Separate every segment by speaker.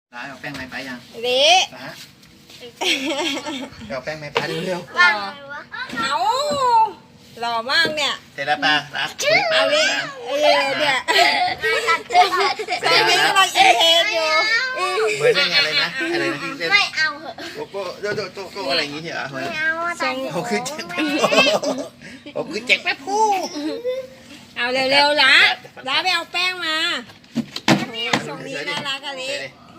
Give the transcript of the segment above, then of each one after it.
Speaker 1: ร้ายเอาแป้งไม้ไปยัง
Speaker 2: เละ
Speaker 1: ร้าเอาแป้งไม้ไปเร็ว
Speaker 2: หล่อเอาหล่อมากเนี่ย
Speaker 1: เสร็จแล้วป่ะรัก
Speaker 2: เอาดิเนี่ยตอนนี้กำลังอินเทนอยู่
Speaker 1: เหมือนอะไรนะอะไรนะที่เล่น
Speaker 3: ไม่เอาเหอะ
Speaker 1: โกโก้โกอะไรอย่างงี้เหรอ
Speaker 3: ไม่เอาอะ
Speaker 1: เขาคือแจ็คแป๊บผมคือแจ็คแป๊บพู
Speaker 2: เอาเร็วๆละไปเอาแป้งมาทรงนี้น่ารักอะลิ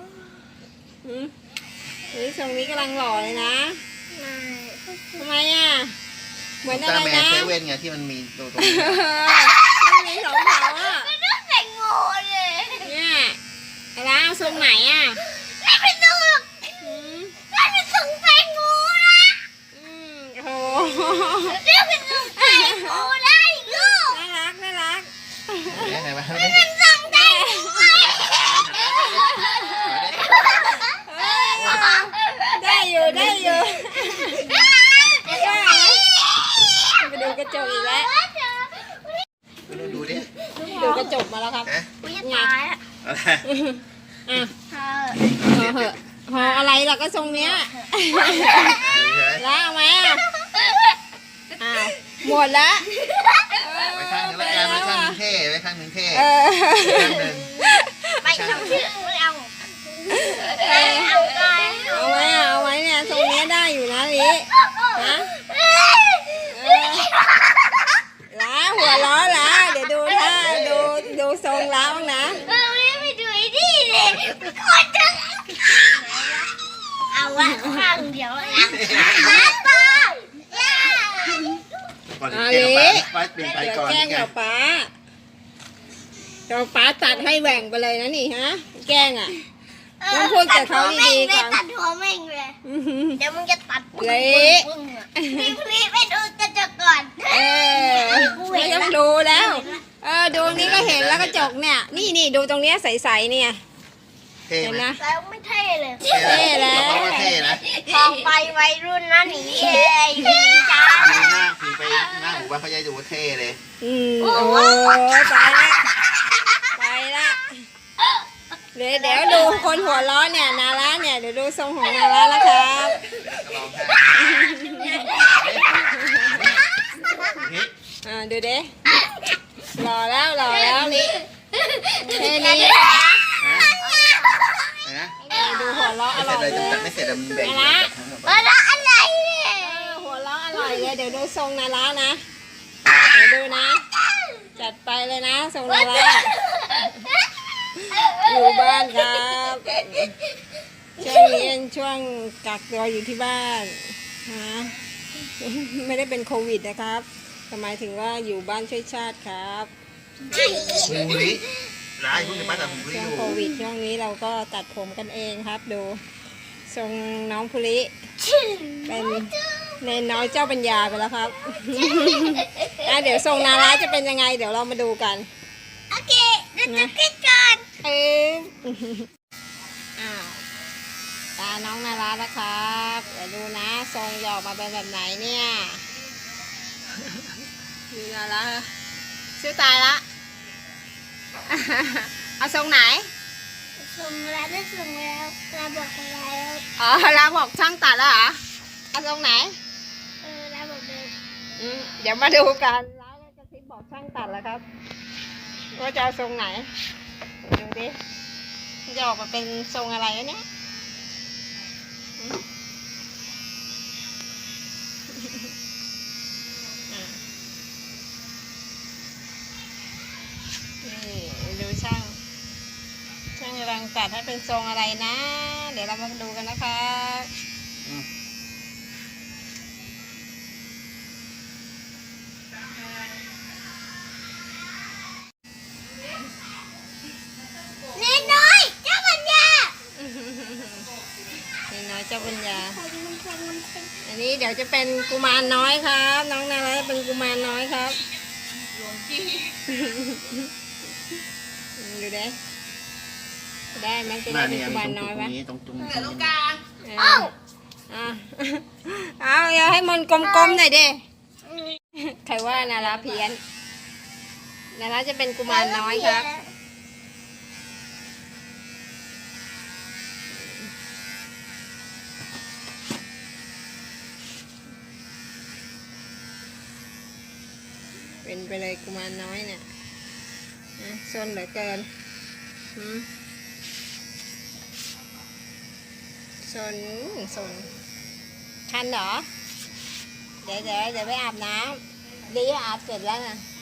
Speaker 2: ทรงนี้กำลังหล่อเลยนะทำไมอ่ะเหมือนอะไร
Speaker 1: แมน
Speaker 2: นะ
Speaker 1: เซเว่นไงที่มันมีตัวตรง
Speaker 2: มีสองเขาอ่ะ
Speaker 3: ไม่ต้องแต่งโง่เลย
Speaker 2: เนี่ยอะไรเอาทรงไหนอ่ะ
Speaker 3: ไม่เป็นตัวไม่เป็นทรงแตงโมนะ
Speaker 2: โอ้โห
Speaker 3: ไม่เป็นทรงแตงโมได้ลูก
Speaker 2: น่ารักน่ารัก
Speaker 1: ไหนมา
Speaker 3: เป็นทรงแตงโม
Speaker 2: ได้อยู่ได้อยู่ได้ไปดูกระจกอีกแล้ว
Speaker 1: ดูดิ
Speaker 2: ดูกระจกมาแล้วครับ
Speaker 3: อุ้ยตายอ่ะ
Speaker 1: อะไร
Speaker 2: อ่ะ
Speaker 3: เธอ
Speaker 2: พอเหอะพออะไรล่ะก็ทรงเนี้ยแล้วเอาไหมอ่ะอ้าวหมดแล้ว
Speaker 1: ไปข้างนึงแล้วกันไปข้างนึงเท่ไปข้างนึงเท่
Speaker 2: เออ
Speaker 1: ข้างนึง
Speaker 3: ไปทำชื่อไม่เอาเอาไป
Speaker 2: เอาไหมอ่ะเอาไหมเนี่ยทรงเนี้ยได้อยู่นะลิฮะล้าหัวล้อล้าเดี๋ยวดูท่าดูทรงล้าบ้างนะ
Speaker 3: ไปดูไอ้นี่เลยคนจะเอาวะข้างเดียวนะป้า
Speaker 1: ก่อนเท่ไปเปลี่ยนไป
Speaker 2: เดี๋ยว
Speaker 1: ก่อน
Speaker 2: แกล้ง
Speaker 1: ไง
Speaker 2: กับป๊าเราป๊าตัดให้แหว่งไปเลยนะนี่ฮะแกล้งอ่ะต้องพูดกับเขาดีๆก่อน
Speaker 3: ตัดหัวแม่งเลยเดี๋ยวมึงจะตัด
Speaker 2: เละ
Speaker 3: รีบไปดูกระจกก่อน
Speaker 2: เออไม่ต้องดูแล้ว ดูนี้ก็เห็นแล้วกระจกเนี่ย นี่ดูตรงเนี้ยใสๆเนี่ย
Speaker 1: เท่
Speaker 2: เห็น
Speaker 1: ไหม
Speaker 2: นะ
Speaker 3: แล้วไม่เท่เลย
Speaker 1: เท่แล้วเท่นะ
Speaker 3: พอไปวัยรุ่นนะหนีเลยหนีจ้า
Speaker 1: ผีหน้าผีไปหน้าหมู่บ้านเขาจะดูเท่เลย
Speaker 2: โอ้ตายละตายละเดี๋ยวดูคนหัวร้อนเนี่ยนาราเนี่ยเดี๋ยวดูทรงของนาราแล้วครับ
Speaker 1: ลองให้
Speaker 2: ดูเด้หล่อแล้วนี่แค่นี้
Speaker 1: นะ
Speaker 2: ดูหัวเราะอ
Speaker 1: ไม่เส
Speaker 2: ร่
Speaker 1: ร็
Speaker 2: อ
Speaker 1: จ
Speaker 2: ย
Speaker 1: เลย
Speaker 2: เลย
Speaker 1: ไม่เสร็จมันแบ่ง
Speaker 3: แล้วอะไรเนี่ย
Speaker 2: หัวเราะอร่อยเลยเดี๋ยวดูทรงนารานะเดี๋ยวดูนะ จัดไปเลยนะทรงนาราอยู่บ้านครับช่วงนี้เป็นช่วงกักตัวอยู่ที่บ้านนะไม่ได้เป็นโควิดนะครับหมายถึงว่าอยู่บ้านช่วยชาติครับ
Speaker 1: หูริร้ายคุณจะมาแต่หูริ
Speaker 2: ช่ว
Speaker 1: อง ยู่
Speaker 2: โควิดช่วงนี้เราก็ตัดผมกันเองครับ ดูทรงน้องภูริเป็นเนนน้อยเจ้าปัญญาไปแล้วครับ เดี๋ยวทรงนาราจะเป็นยังไง เดี๋ยวเรามาดูกัน
Speaker 3: โอเคเดี๋ยวจะคิดก่อน
Speaker 2: อ้าวตาน้องนาราแล้วครับเดี๋ยวดูนะทรงหยอกมาเป็นแบบไหนเนี่ยดูนาราชื่อตายละ เอาทรงไหน
Speaker 3: ส่งแล้วได้ส่งแล้วลาบอกแล้ว
Speaker 2: อ๋อเราบอกช่างตัดแล้วเหรอเอาทรงไหน
Speaker 3: ลาบอกเลย
Speaker 2: เดี๋ยวมาดูกันแล้วจะทิปบอกช่างตัดแล้วครับว่าจะเอาทรงไหนดูดิจะออกมาเป็นทรงอะไรวะเนี่ยนี่ดูช่างกำลังตัดให้เป็นทรงอะไรนะ เดี๋ยวเรามาดูกันนะครับ
Speaker 3: นี่น้อยเจ้าปัญญา
Speaker 2: นี่น้อยเจ้าปัญญาอันนี้เดี๋ยวจะเป็นกุมารน้อยครับ น้องนาราเป็นกุมารน้อยครับดูได้มันจะได้เป็นกุมารน้อยไหม
Speaker 1: ตรงนี้
Speaker 2: เอาอย่าให้มันกลมๆหน่อยดิใครว่านาราเพี้ยนนาราจะเป็นกุมารน้อยครับเป็นไปเลยกุมารน้อยเนี่ยนะซนเหลือเกินซนคันเหรอ เดี๋ยวไปอาบน้ำดีอาบเสร็จแล้วนะ